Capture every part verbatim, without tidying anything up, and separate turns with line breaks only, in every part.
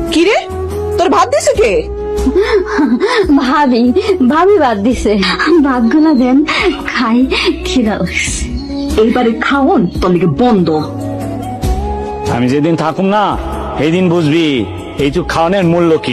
কি রে, তোর ভাত দিছে কে?
ভাবি ভাবি ভাত দিছে, ভাতগুলা দেন খাই, খিদা লাগছে।
এইবারে খাওন তোর লিগে বন্ধ।
আমি যেদিন থাকুম না সেই দিন বুঝবি এইটুক খাওয়ানোর মূল্য কি।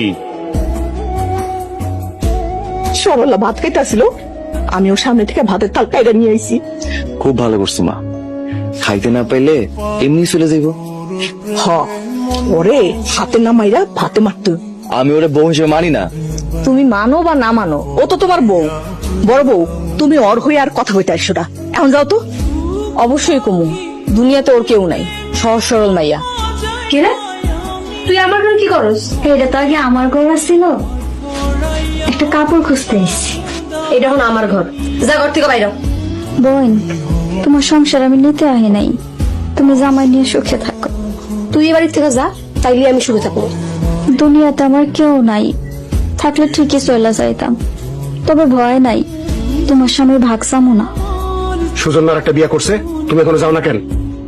সরলা ভাত খাইতেছিল, আমি ওর সামনে থেকে ভাতের তাল কাইরা নিয়ে আইছি।
খুব ভালো করছো মা, খাইতে না পাইলে এমনি চলে যাইব।
হ, ওরে হাতে না মাইরা ভাতে মারতো।
আমি ওরে বউ হিসেবে মানি না।
তুমি মানো বা না মানো, ও তো তোমার বউ, বড় বউ। তুমি ওর হয়ে আর কথা হইতে আসো না, এখন যাও তো।
অবশ্যই কমু, দুনিয়াতে ওর কেউ নাই, সহজ সরল মাইয়া।
কিরে তুই আমার ঘরে কি করস? এটা তো আগে আমার ঘর ছিল, একটা কাপড় খুঁজতে এসেছি।
এটা এখন আমার ঘর, যা ঘর থেকে বাইরে।
বোন, তোমার সংসার আমি নিতে আহি নাই, তুমি জামাই নিয়ে সুখে থাকো।
তুই এ বাড়ি থেকে যা, তাইলে আমি সুখে থাকবো।
দুনিয়াতে আমার কেউ নাই, থাকলে ঠিকই চলে যাইতাম, তবে ভয় নাই, তোমার স্বামীর ভাগ চামো না।
সুজন্যার একটা বিয়ে করছে, তুমি এখনো যাও না কেন?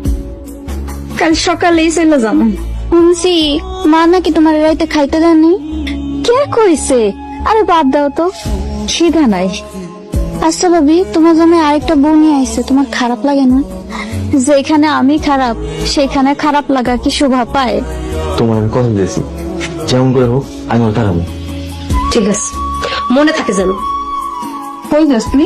কাল সকালেই চলে যাবো। শুনছি মা নাকি তোমার রাইতে খাইতে দেননি। কে কইছে? আরে বাদ দাও তো, খিদা নাই। আচ্ছা ভাবি, তোমার জন্য আরেকটা বউ নিয়ে আইছে, তোমার খারাপ লাগে না? যেখানে আমি খারাপ সেখানে খারাপ লাগা কি শোভা পায়?
তোমার আমি কথা দিয়েছি, যেমন করে হোক আমি ওর দাঁড়াবো।
ঠিক আছে, মনে থাকে যেন।
কই যাস তুই?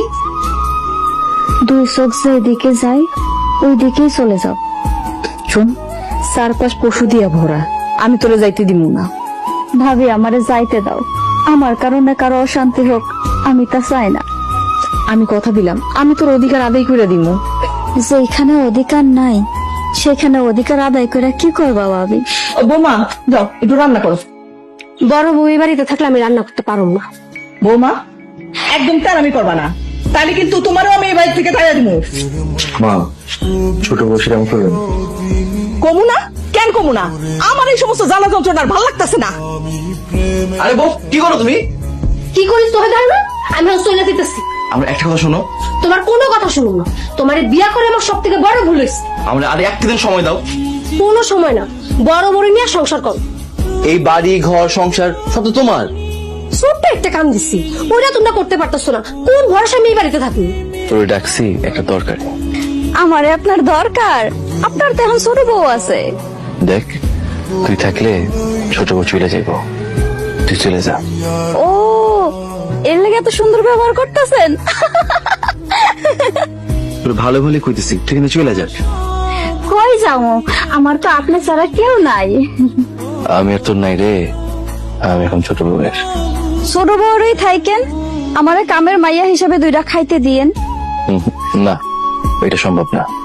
দুই চোখ যেদিকে যায় ওই দিকেই চলে যাও।
শোন, চারপাশ পশু দিয়া ভরা, আমি তোরে যাইতে দিব না।
ভাবি আমারে যাইতে দাও, আমার কারণে কারো অশান্তি হোক আমি তা চাই না।
আমি কথা দিলাম, আমি তোর অধিকার আদায় করে দিব।
যেখানে অধিকার নাই সেখানে অধিকার আদায় করে কি করবা ভাবি?
ও বৌমা, যাও একটু রান্না করো।
বড় বউ এই বাড়িতে থাকলে আমি রান্না করতে পারবো না।
বৌমা, একদম তারামি করবা না, তাহলে কিন্তু তোমারও আমি এই বাড়ি থেকে তাড়িয়ে দিব।
মা, ছোট বউ সেরকম করবেন?
কমু না? কেন কমু না? আমার এই সমস্ত জ্বালা যন্ত্রণার ভাল লাগতেছে না।
আরে বউ, কি করো তুমি?
কি করিস তোকে জানো না? আমি এখন চলে দিতেছি।
আমার একটা কথা শোনো।
তোমার কোনো কথা শুনো না, তোমার বিয়া করে আমার সব থেকে বড় ভুল হয়েছে।
আমরা আর একটা দিন সময় দাও।
কোনো সময় না, বড় বড় নিয়ে সংসার করো।
এই বাড়ি ঘর সংসার সব তো তোমার।
ছোট্ট একটা কাম দিচ্ছি, ওইটা তোমরা করতে পারতেছো না। কোন ভরসা আমি এই বাড়িতে থাকি?
তোর ডাকছি একটা দরকার।
আমারে আপনার দরকার? আপনার তো এখন ছোট বউ আছে।
দেখ, তুই থাকলে ছোট বউ চলে যাইব, তুই চলে যা।
ও, এর লেগে এত সুন্দর ব্যবহার করতেছেন।
তোর ভালো ভালো কইতেছি, তুই কিন্তু চলে যাস।
কই যাও? আমার তো আপনার ছাড়া কেউ নাই।
আমি আর তোর নাই রে, আমি এখন ছোট বউয়ের।
ছোট বউরই থাইকেন, আমারে কামের মাইয়া হিসাবে দুইটা খাইতে দিয়েন।
হুম, না, এটা সম্ভব না।